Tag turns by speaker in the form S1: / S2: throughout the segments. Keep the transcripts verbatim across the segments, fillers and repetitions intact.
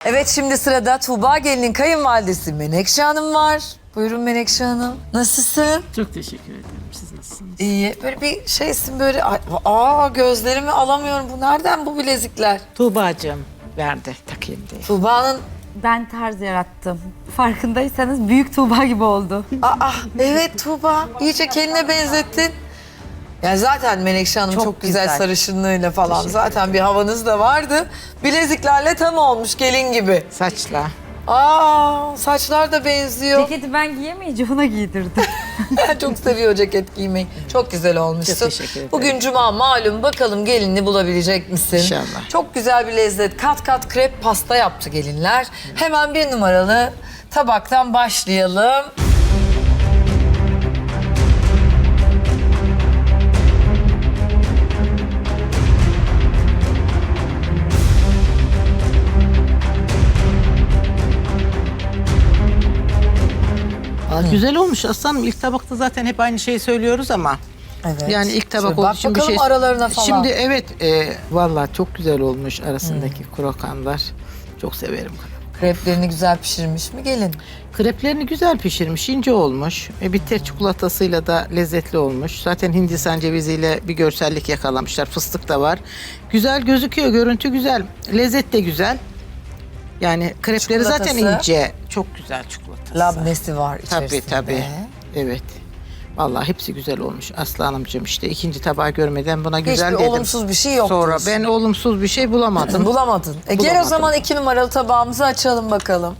S1: Evet, şimdi sırada Tuğba Gelin'in kayınvalidesi Menekşe Hanım var. Buyurun Menekşe Hanım. Nasılsın?
S2: Çok teşekkür ederim. Siz nasılsınız?
S1: İyi. Böyle bir şeysin böyle. Ay, aa gözlerimi alamıyorum. Bu nereden bu bilezikler?
S2: Tuğba'cığım verdi takayım diye.
S1: Tuğba'nın...
S3: Ben tarz yarattım. Farkındaysanız büyük Tuğba gibi oldu.
S1: Aa evet Tuğba. İyice kendine benzettin. Yani zaten Menekşe Hanım çok,
S3: Çok
S1: güzel,
S3: güzel.
S1: sarışınlığıyla falan.
S2: Teşekkür
S1: Zaten bir havanız da vardı. Bileziklerle tam olmuş gelin gibi.
S2: Saçla.
S1: Aa saçlar da benziyor.
S3: Ceketi ben giyemeyince ona giydirdim.
S1: Çok seviyor ceket giymeyi. Çok güzel olmuşsun.
S2: Çok teşekkür ederim.
S1: Bugün cuma malum, bakalım gelinini bulabilecek misin?
S2: İnşallah.
S1: Çok güzel bir lezzet. Kat kat krep pasta yaptı gelinler. Hemen bir numaralı tabaktan başlayalım.
S2: Güzel olmuş aslanım. İlk tabakta zaten hep aynı şeyi söylüyoruz ama.
S1: Evet.
S2: Yani ilk tabak
S1: Şöyle
S2: olduğu
S1: bak
S2: için bir
S1: bakalım
S2: şey...
S1: aralarına falan.
S2: Şimdi evet, e, vallahi çok güzel olmuş arasındaki krokanlar. Çok severim.
S1: Kreplerini güzel pişirmiş mi gelin?
S2: Kreplerini güzel pişirmiş, ince olmuş. E, bitter çikolatasıyla da lezzetli olmuş. Zaten Hindistan ceviziyle bir görsellik yakalamışlar. Fıstık da var. Güzel gözüküyor, görüntü güzel. Lezzet de güzel. Yani krepleri zaten
S1: Çikolatası.
S2: ince. Çok güzel çikolatası.
S1: Labnesi var
S2: Tabii
S1: içerisinde.
S2: tabii. Evet. Vallahi hepsi güzel olmuş Aslı Hanımcığım, işte ikinci tabağı görmeden buna güzel
S1: Hiçbir
S2: dedim.
S1: olumsuz bir şey yok
S2: Sonra
S1: diyorsun.
S2: ben olumsuz bir şey bulamadım.
S1: Bulamadın. E gel o
S2: Bulamadım.
S1: zaman iki numaralı tabağımızı açalım bakalım.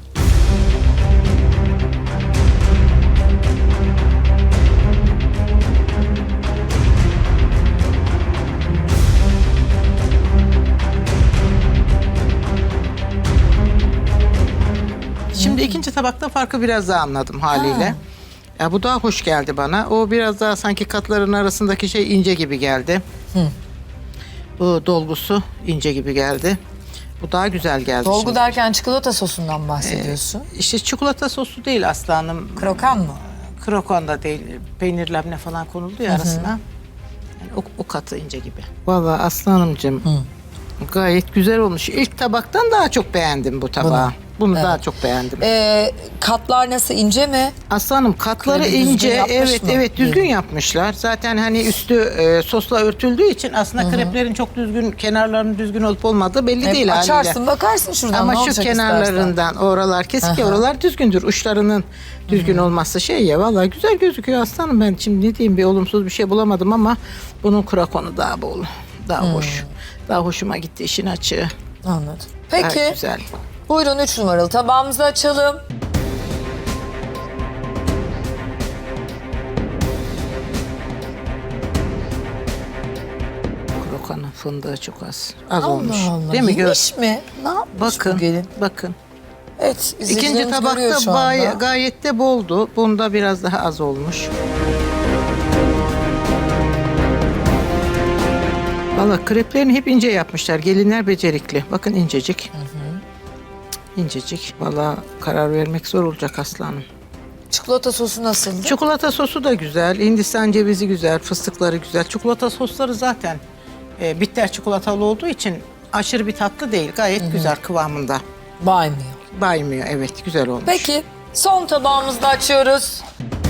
S2: Şimdi ikinci tabakta farkı biraz daha anladım haliyle. Ya bu daha hoş geldi bana. O biraz daha sanki katların arasındaki şey ince gibi geldi. Bu dolgusu ince gibi geldi. Bu daha güzel geldi.
S1: Dolgu
S2: şimdi.
S1: derken çikolata sosundan bahsediyorsun.
S2: İşte çikolata sosu değil Aslı Hanım.
S1: Krokan mı?
S2: Krokon da değil. Peynir labne falan konuldu ya arasına. Yani o, o katı ince gibi. Vallahi Aslı Hanımcığım gayet güzel olmuş. İlk tabaktan daha çok beğendim bu tabağı. Bunu, daha çok beğendim.
S1: Ee, katlar nasıl, ince mi?
S2: Aslanım katları
S1: Böyle bir düzgün
S2: ince,
S1: yapmış
S2: evet
S1: mı?
S2: evet düzgün yapmışlar. Zaten hani üstü e, sosla örtüldüğü için aslında kreplerin çok düzgün, kenarlarının düzgün olup olmadığı belli
S1: Hep
S2: değil
S1: açarsın
S2: haliyle.
S1: bakarsın şuradan
S2: Ama
S1: ne
S2: şu
S1: olacak
S2: kenarlarından oralar kesik ya, oralar düzgündür. Uçlarının düzgün olması şey ya, vallahi güzel gözüküyor aslanım. Ben şimdi ne diyeyim, bir olumsuz bir şey bulamadım ama bunun krakonu daha bol, daha hoş. Daha hoşuma gitti işin açığı.
S1: istersen. Anladım.
S2: Gayet
S1: Peki
S2: güzel.
S1: buyurun üç numaralı tabağımızı açalım.
S2: Krokanın fındığı çok az. Az
S1: Allah
S2: olmuş.
S1: Allah.
S2: Değil mi? Gör.
S1: Yemiş mi? Ne yapmış
S2: Bakın,
S1: bu gelin?
S2: bakın.
S1: Evet,
S2: İkinci
S1: izleyicilerimiz görüyor
S2: tabakta
S1: şu anda.
S2: gay- gayet de boldu. Bunda biraz daha az olmuş. Valla kreplerini hep ince yapmışlar. Gelinler becerikli. Bakın incecik. İncecik. Valla karar vermek zor olacak aslanım.
S1: Çikolata sosu nasıldı?
S2: Çikolata sosu da güzel. Hindistan cevizi güzel. Fıstıkları güzel. Çikolata sosları zaten e, bitter çikolatalı olduğu için aşırı bir tatlı değil. Gayet güzel kıvamında.
S1: Baymıyor.
S2: Baymıyor. Evet, güzel olmuş.
S1: Peki son tabağımızı da açıyoruz.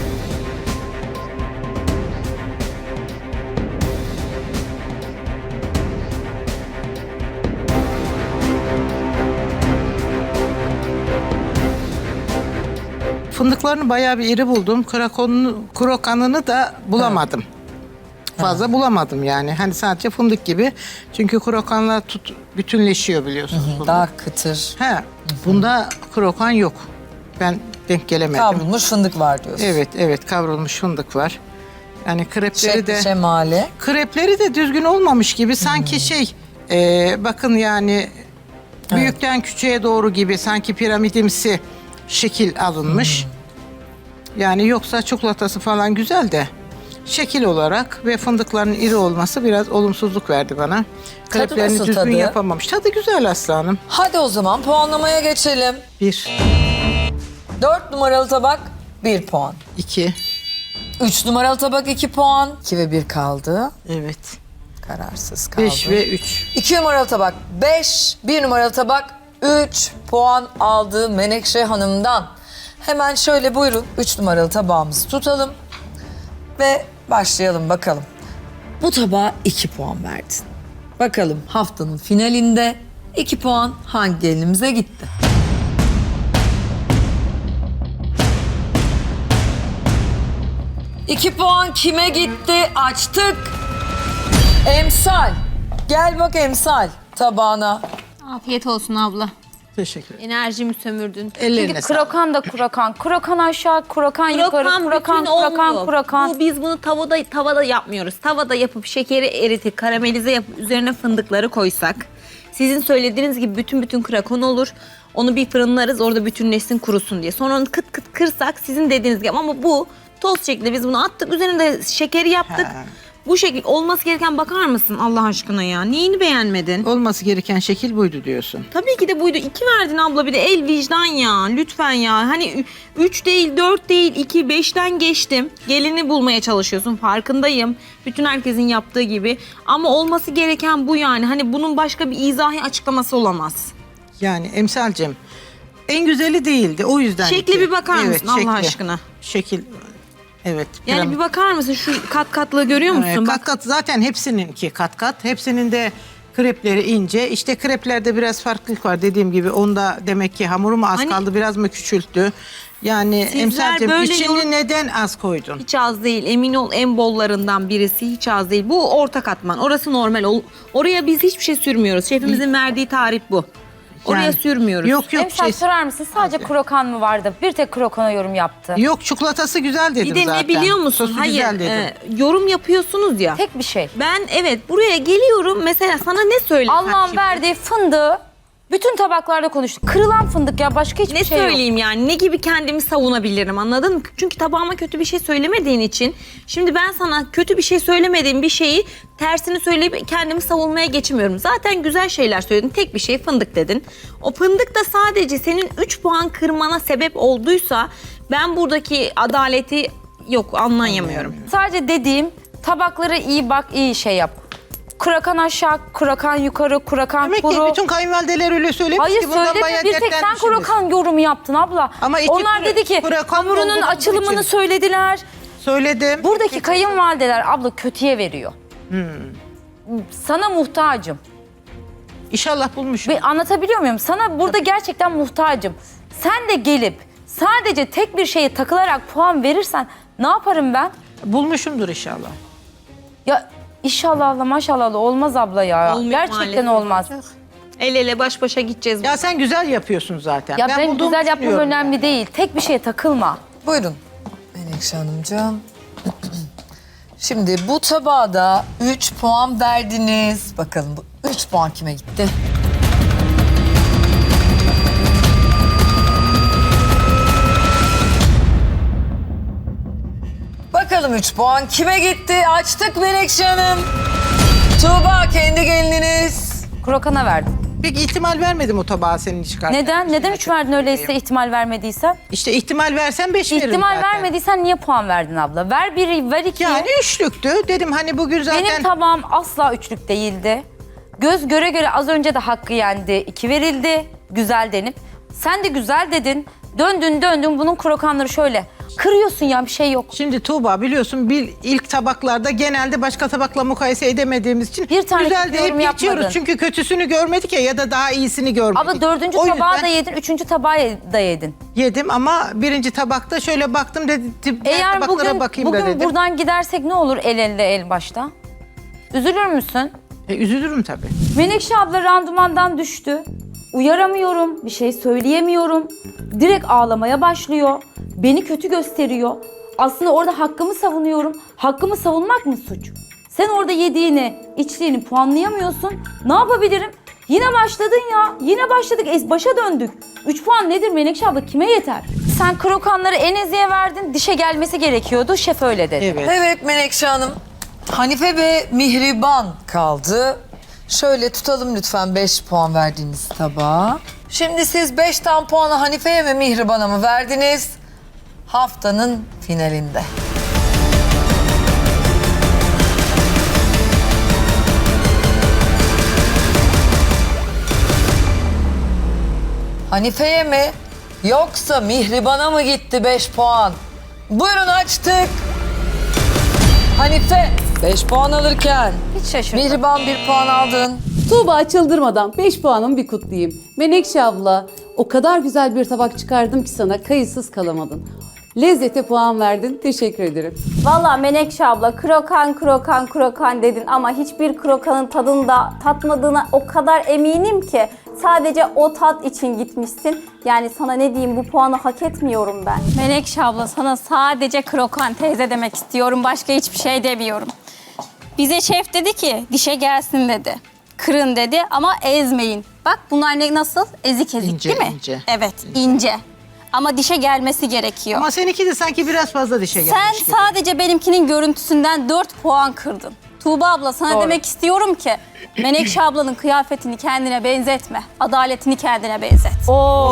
S2: Fındıklarını bayağı bir iri buldum. Krakonunu, krokanını da bulamadım. Fazla bulamadım yani. Hani sadece fındık gibi. Çünkü krokanla tut, bütünleşiyor biliyorsunuz. fındık.
S1: Daha kıtır.
S2: He, bunda krokan yok. Ben denk gelemedim.
S1: Kavrulmuş fındık var diyorsun.
S2: Evet, evet kavrulmuş fındık var. Yani krepleri
S1: Şekli
S2: de
S1: şemali.
S2: krepleri de düzgün olmamış gibi. Sanki şey, e, bakın yani büyükten küçüğe doğru gibi, sanki piramidimsi şekil alınmış. Yani yoksa çikolatası falan güzel de şekil olarak ve fındıkların iri olması biraz olumsuzluk verdi bana. Kreplerini
S1: nasıl
S2: düzgün
S1: tadı?
S2: yapamamış. Tadı güzel aslanım.
S1: Hadi o zaman puanlamaya geçelim.
S2: Bir,
S1: Dört numaralı tabak bir puan.
S2: iki,
S1: Üç numaralı tabak iki puan. İki ve bir kaldı.
S2: evet.
S1: Kararsız kaldı.
S2: Beş ve üç.
S1: İki numaralı tabak beş. Bir numaralı tabak üç puan aldı Menekşe Hanım'dan. Hemen şöyle buyurun üç numaralı tabağımızı tutalım ve başlayalım bakalım. Bu tabağa iki puan verdin. Bakalım haftanın finalinde iki puan hangi gelinimize gitti? İki puan kime gitti? Açtık. Emsal. Gel bak Emsal tabağına.
S4: Afiyet olsun abla.
S2: Teşekkür ederim.
S4: Enerjimi sömürdün.
S2: Ellerine
S3: Çünkü
S2: sağlık.
S3: krokan da krokan. Krokan aşağı, krokan, yukarı, krokan,
S4: bütün
S3: krokan,
S4: olmuyor.
S3: krokan.
S4: Bu, biz bunu tavada tavada yapmıyoruz. Tavada yapıp şekeri eritip karamelize yapıp üzerine fındıkları koysak. Sizin söylediğiniz gibi bütün bütün krakon olur. Onu bir fırınlarız orada bütünleşsin kurusun diye. Sonra onu kıt kıt kırsak sizin dediğiniz gibi ama bu toz şeklinde biz bunu attık üzerine de şekeri yaptık.
S2: Ha.
S4: Bu şekil olması gereken bakar mısın Allah aşkına ya? Neyini beğenmedin?
S2: Olması gereken şekil buydu diyorsun.
S4: Tabii ki de buydu. İki verdin abla bir de el vicdan ya. Lütfen ya. Hani ü- üç değil, dört değil, iki, beşten geçtim. Gelini bulmaya çalışıyorsun. Farkındayım. Bütün herkesin yaptığı gibi. Ama olması gereken bu yani. Hani bunun başka bir izahi açıklaması olamaz.
S2: Yani Emsal'cim en güzeli değildi o yüzden.
S4: Şekli
S2: iki.
S4: bir bakar mısın Allah
S2: şekli.
S4: aşkına?
S2: Şekil evet.
S4: Yani
S2: piram-
S4: bir bakar mısın? Şu kat katlığı görüyor musun?
S2: Evet,
S4: Bak.
S2: kat kat zaten hepsininki kat kat. Hepsinin de krepleri ince. İşte kreplerde biraz farklılık var dediğim gibi. Onda demek ki hamuru mu az
S4: Hani-
S2: kaldı biraz mı küçülttü? Yani
S4: Sizler
S2: Emsal'cim
S4: böyle
S2: içini
S4: yorum-
S2: neden az koydun?
S4: Hiç az değil. Emin ol en bollarından birisi hiç az değil. Bu orta katman. Orası normal. Ol- Oraya biz hiçbir şey sürmüyoruz. Şefimizin verdiği tarif bu. Oraya
S2: Yani-
S4: sürmüyoruz.
S2: Yok yok
S3: Emsal
S2: şey.
S3: sorar mısın? Sadece krokan mı vardı? Bir tek krokana yorum yaptı.
S2: Yok çikolatası güzel dedim
S4: Bir de
S2: zaten.
S4: ne biliyor musun?
S2: Sosu
S4: Hayır,
S2: güzel dedim.
S4: e, yorum yapıyorsunuz ya.
S3: Tek bir şey.
S4: Ben evet buraya geliyorum mesela sana ne söyleyeyim?
S3: Allah'ın verdiği fındığı bütün tabaklarda konuştuk. Kırılan fındık ya başka hiçbir
S4: Ne
S3: şey yok.
S4: söyleyeyim yani ne gibi kendimi savunabilirim anladın mı? Çünkü tabağıma kötü bir şey söylemediğin için şimdi ben sana kötü bir şey söylemediğim bir şeyi tersini söyleyip kendimi savunmaya geçmiyorum. Zaten güzel şeyler söyledin. Tek bir şey fındık dedin. O fındık da sadece senin üç puan kırmana sebep olduysa ben buradaki adaleti yok anlayamıyorum.
S3: Sadece dediğim tabaklara iyi bak, iyi şey yap. Kurakan aşağı, kurakan yukarı, kurakan
S2: Demek
S3: kuru.
S2: ki bütün kayınvalideler öyle söylemiş
S3: Hayır
S2: ki bundan
S3: söyleme.
S2: bayağı
S3: Bir tek sen
S2: dertlenmişsiniz.
S3: kurakan yorumu yaptın abla.
S2: Ama iki
S3: Onlar
S2: kura-
S3: dedi ki
S2: kurakan
S3: hamurunun
S2: doldurduğu
S3: açılımını
S2: için.
S3: söylediler.
S2: Söyledim.
S3: Buradaki kayınvalideler abla kötüye veriyor.
S2: Hmm.
S3: Sana muhtacım.
S2: İnşallah bulmuşum.
S3: Ve anlatabiliyor muyum? Sana burada gerçekten muhtacım. Sen de gelip sadece tek bir şeye takılarak puan verirsen ne yaparım ben?
S2: Bulmuşumdur inşallah.
S3: Ya inşallah Allah maşallah Allah olmaz abla ya.
S4: Olmuyor
S3: Gerçekten
S4: maalesef.
S3: olmaz.
S4: El ele baş başa gideceğiz.
S2: Ya sen güzel yapıyorsun zaten.
S3: Ya ben,
S2: bulduğumu
S3: güzel yapmam
S2: düşünüyorum
S3: önemli
S2: yani.
S3: değil. Tek bir şeye takılma.
S1: Buyurun Menekşe Hanımcığım. Şimdi bu tabağa da üç puan verdiniz. Bakalım bu üç puan kime gitti? Bakalım üç puan kime gitti? Açtık Menekşe Hanım. Tuğba kendi gelininiz.
S3: Krokana verdim.
S2: Peki ihtimal vermedim o tabağa senin çıkartmak.
S3: Neden? Neden üç verdin öyleyse ihtimal vermediysen?
S2: İşte ihtimal versen beş veririm
S3: İhtimal
S2: zaten.
S3: vermediysen niye puan verdin abla? Ver biri, ver ikiyi.
S2: Yani üçlüktü. Dedim hani bugün zaten...
S3: Benim tabağım asla üçlük değildi. Göz göre göre az önce de hakkı yendi. İki verildi. Güzel denip. Sen de güzel dedin. Döndün döndün bunun krokanları şöyle. Kırıyorsun ya bir şey yok.
S2: Şimdi Tuğba biliyorsun bir ilk tabaklarda genelde başka tabakla mukayese edemediğimiz için
S3: Bir tane
S2: güzel
S3: kötü
S2: deyip
S3: yorum
S2: geçiyoruz.
S3: yapmadın.
S2: Çünkü kötüsünü görmedik ya ya da daha iyisini görmedik.
S3: Abla dördüncü
S2: O
S3: tabağı
S2: yüzden
S3: da yedin, üçüncü tabağı da yedin.
S2: yedim ama birinci tabakta şöyle baktım dedim diğer
S3: Eğer
S2: tabaklara
S3: bugün,
S2: bakayım da
S3: bugün
S2: dedim.
S3: buradan gidersek ne olur el elde el başta? Üzülür müsün?
S2: E, üzülürüm tabii.
S3: Menekşe abla randımandan düştü. Uyaramıyorum, bir şey söyleyemiyorum. Direkt ağlamaya başlıyor. Beni kötü gösteriyor. Aslında orada hakkımı savunuyorum. Hakkımı savunmak mı suç? Sen orada yediğini, içtiğini puanlayamıyorsun. Ne yapabilirim? Yine başladın ya. Yine başladık. Es başa döndük. üç puan nedir Menekşe abla? Kime yeter? Sen krokanları Enezi'ye verdin. Dişe gelmesi gerekiyordu. Şef öyle dedi.
S2: Evet.
S1: Evet Menekşe Hanım. Hanife ve Mihriban kaldı. Şöyle tutalım lütfen beş puan verdiğiniz tabağa. Şimdi siz beşten puanı Hanife'ye ve Mihriban'a mı verdiniz? Haftanın finalinde. Hanife'ye mi yoksa Mihriban'a mı gitti beş puan? Buyurun açtık. Hanife beş puan alırken
S3: Hiç şaşırmadım.
S1: Mihriban bir puan aldın.
S5: Tuğba çıldırmadan beş puanımı bir kutlayayım. Menekşe abla, o kadar güzel bir tabak çıkardım ki sana, kayıtsız kalamadın. Lezzete puan verdin, teşekkür ederim.
S6: Valla Menekşe abla krokan krokan krokan dedin ama hiçbir krokanın tadını da tatmadığına o kadar eminim ki sadece o tat için gitmişsin. Yani sana ne diyeyim, bu puanı hak etmiyorum ben.
S7: Menekşe abla, sana sadece krokan teyze demek istiyorum. Başka hiçbir şey demiyorum. Bize şef dedi ki dişe gelsin dedi. Kırın dedi ama ezmeyin. Bak bunlar ne, nasıl? Ezik ezik
S2: İnce,
S7: değil mi?
S2: ince.
S7: Evet, ince. Ama dişe gelmesi gerekiyor.
S2: Ama seninki de sanki biraz fazla dişe gelmiş
S7: Sen
S2: gibi.
S7: sadece benimkinin görüntüsünden dört puan kırdın. Tuğba abla, sana
S1: Doğru.
S7: demek istiyorum ki Menekşe ablanın kıyafetini kendine benzetme. Adaletini kendine benzet.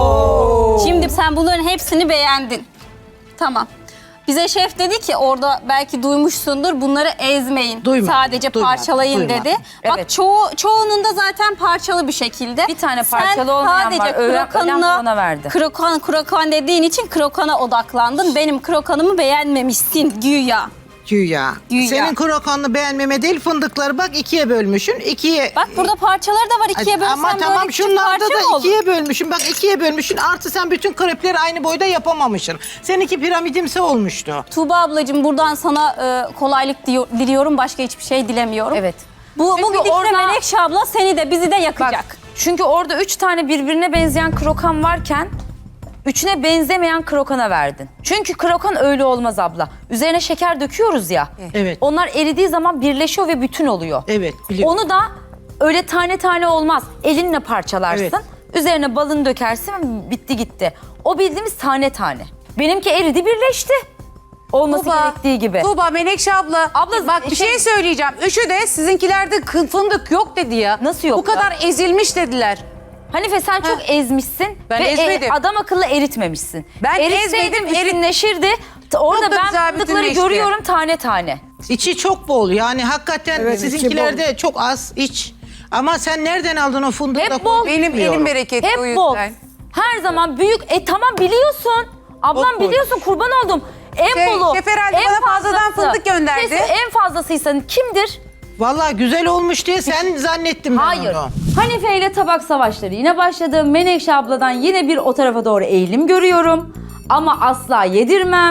S3: Oo.
S7: Şimdi sen bunların hepsini beğendin. Tamam. Bize şef dedi ki orada, belki duymuşsundur, bunları ezmeyin.
S2: Duymadım,
S7: Sadece
S2: duymadım,
S7: parçalayın
S2: duymadım.
S7: dedi. Bak
S3: Evet.
S7: çoğu çoğunun da zaten parçalı bir şekilde.
S3: Bir tane
S7: Sen
S3: parçalı olmayan
S7: sadece
S3: var. Ölen- ölen
S7: krokanına-
S3: bana verdi.
S7: Krokan krokan dediğin için krokana odaklandın. Benim krokanımı beğenmemişsin güya.
S2: Güya.
S7: Güya.
S2: Senin krokanını beğenmeme değil, fındıkları bak ikiye bölmüşsün. İkiye...
S7: Bak burada parçaları da var, ikiye bölsen
S2: Ama
S7: böyle
S2: tamam,
S7: küçük
S2: şunlarda
S7: parça mı
S2: da
S7: olur?
S2: ikiye bölmüşsün. Bak ikiye bölmüşsün. Artı sen bütün krepleri aynı boyda yapamamışsın. Seninki piramidimsi olmuştu.
S7: Tuğba ablacığım, buradan sana e, kolaylık diyor- diliyorum. Başka hiçbir şey dilemiyorum.
S3: Evet.
S7: Bu,
S3: Çünkü
S7: bu gidişle
S3: orada-
S7: Menekşe abla seni de bizi de yakacak.
S3: Bak, çünkü orada üç tane birbirine benzeyen krokan varken üçüne benzemeyen krokana verdin. Çünkü krokan öyle olmaz abla. Üzerine şeker döküyoruz ya.
S2: Evet.
S3: Onlar eridiği zaman birleşiyor ve bütün oluyor.
S2: Evet, biliyorum.
S3: Onu da öyle tane tane olmaz. Elinle parçalarsın.
S2: Evet.
S3: Üzerine balını dökersin ve bitti gitti. O bildiğimiz tane tane. Benimki eridi, birleşti. Olması gerektiği gibi.
S8: Tuğba, Menekşe abla.
S3: Abla,
S8: bak bir
S3: şey-
S8: şey söyleyeceğim. Üçü de sizinkilerde kı- fındık yok dedi ya.
S3: Nasıl yok
S8: Bu kadar ezilmiş dediler.
S3: Hanife, sen çok ezmişsin
S8: Ben
S3: ve
S8: ezmedim.
S3: e, adam akıllı eritmemişsin.
S8: Ben
S3: Eritseydim
S8: ezmedim, erit-
S3: bütünleşirdi. T- Orada
S8: Çok da
S3: ben
S8: güzel
S3: fındıkları
S8: bütünleşti.
S3: görüyorum tane tane.
S2: İçi çok bol. Yani hakikaten sizinkilerde çok az iç. Ama sen nereden aldın o fındığı?
S3: Hep
S2: da
S3: bol.
S8: Benim
S2: bilmiyorum.
S8: elim bereketli o
S3: Hep
S8: yüzden.
S3: bol. Her zaman büyük. E tamam, biliyorsun. Ablam
S2: Çok bol.
S3: biliyorsun, kurban oldum. En
S8: Şey,
S3: bolu.
S8: şef herhalde
S3: en
S8: bana fazladan
S3: fazlası.
S8: fındık gönderdi.
S3: Kesin en fazlasıysa kimdir?
S2: Vallahi güzel olmuş diye sen zannettim ben
S3: Hayır.
S2: onu.
S3: Hanife ile tabak savaşları yine başladı. Menekşe abladan yine bir o tarafa doğru eğilim görüyorum. Ama asla yedirmem.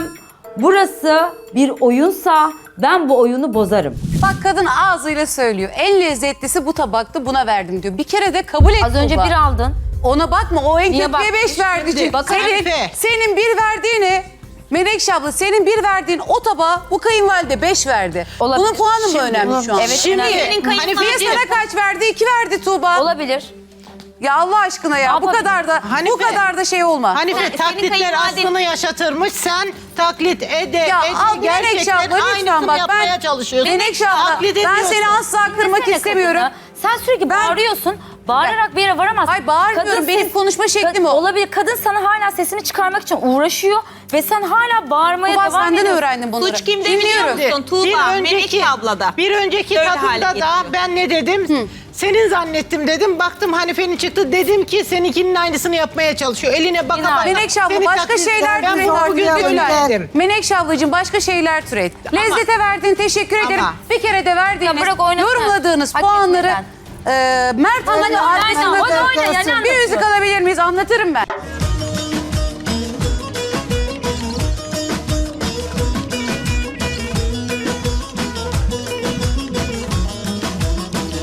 S3: Burası bir oyunsa ben bu oyunu bozarım.
S8: Bak, kadın ağzıyla söylüyor. En lezzetlisi bu tabaktı, buna verdim diyor. Bir kere de kabul et
S3: Az önce
S8: Tuğba.
S3: bir aldın.
S8: Ona bakma, o en
S3: Niye
S8: kötüye
S3: baktın?
S8: beş verdi.
S2: Şimdi, bakın
S8: senin,
S2: Hanife.
S8: senin bir verdiğini, Menekşe abla senin bir verdiğin o tabağa bu kayınvalide beş verdi.
S3: Olabilir.
S8: Bunun puanı mı
S2: Şimdi,
S8: önemli şu an?
S3: Evet,
S2: Şimdi
S3: önemli.
S7: Senin kayınvalide-
S8: Hanifiye sana kaç verdi? İki verdi Tuğba.
S3: Olabilir.
S8: Ya Allah aşkına ya, bu
S3: yapabilirim?
S8: kadar da
S2: Hanife.
S8: bu kadar da şey olma.
S2: Hanife
S7: Senin
S2: taklitler
S7: kayınvaliden-
S2: aslını yaşatırmış. Sen taklit ede
S8: Ya
S2: ede
S8: al Menekşe
S2: gerçekten
S8: abla lütfen
S2: aynısını
S8: bak,
S2: yapmaya
S8: ben
S2: çalışıyorsun.
S8: Menekşe abla
S2: Taklit
S8: ben
S2: ediyorsun.
S8: seni asla kırmak
S3: Dinlesene
S8: istemiyorum.
S3: kadını. Sen sürekli bağırıyorsun. Bağırarak bir yere varamazsın.
S8: Ay, bağırmıyorum. Benim konuşma şeklim
S3: Kad-
S8: o.
S3: Olabilir. Kadın sana hala sesini çıkarmak için uğraşıyor ve sen hala bağırmaya
S8: Tuğba,
S3: devam
S8: senden
S3: ediyorsun.
S8: öğrendim bunları.
S4: Suç kimde biliyor
S8: Dinliyorum.
S4: musun? Tuğba, Menekşe ablada.
S2: Bir önceki
S4: Öyle hale
S2: tadımda da
S4: getiriyor.
S2: ben ne dedim? Senin zannettim dedim. Baktım Hanife'nin çıktı. Dedim ki seninkinin aynısını yapmaya çalışıyor. Eline baka baka.
S8: Menekşe abla
S2: Seni
S8: başka
S2: taklit-
S8: şeyler
S2: Ben
S8: türet.
S2: bugün
S8: Lütfen.
S2: söyledim.
S8: Menekşe ablacığım başka şeyler türet. Lezzete verdiğin teşekkür ederim.
S2: Ama-
S8: Bir kere de verdiğiniz,
S3: Ya bırak oynasın.
S8: yorumladığınız
S3: Hak
S8: puanları
S3: etmeden.
S8: e, Mert Hanım'la
S3: oyna,
S8: arkasında
S3: oyna, oyna, oyna, yani
S8: bir müzik alabilir miyiz? Anlatırım ben.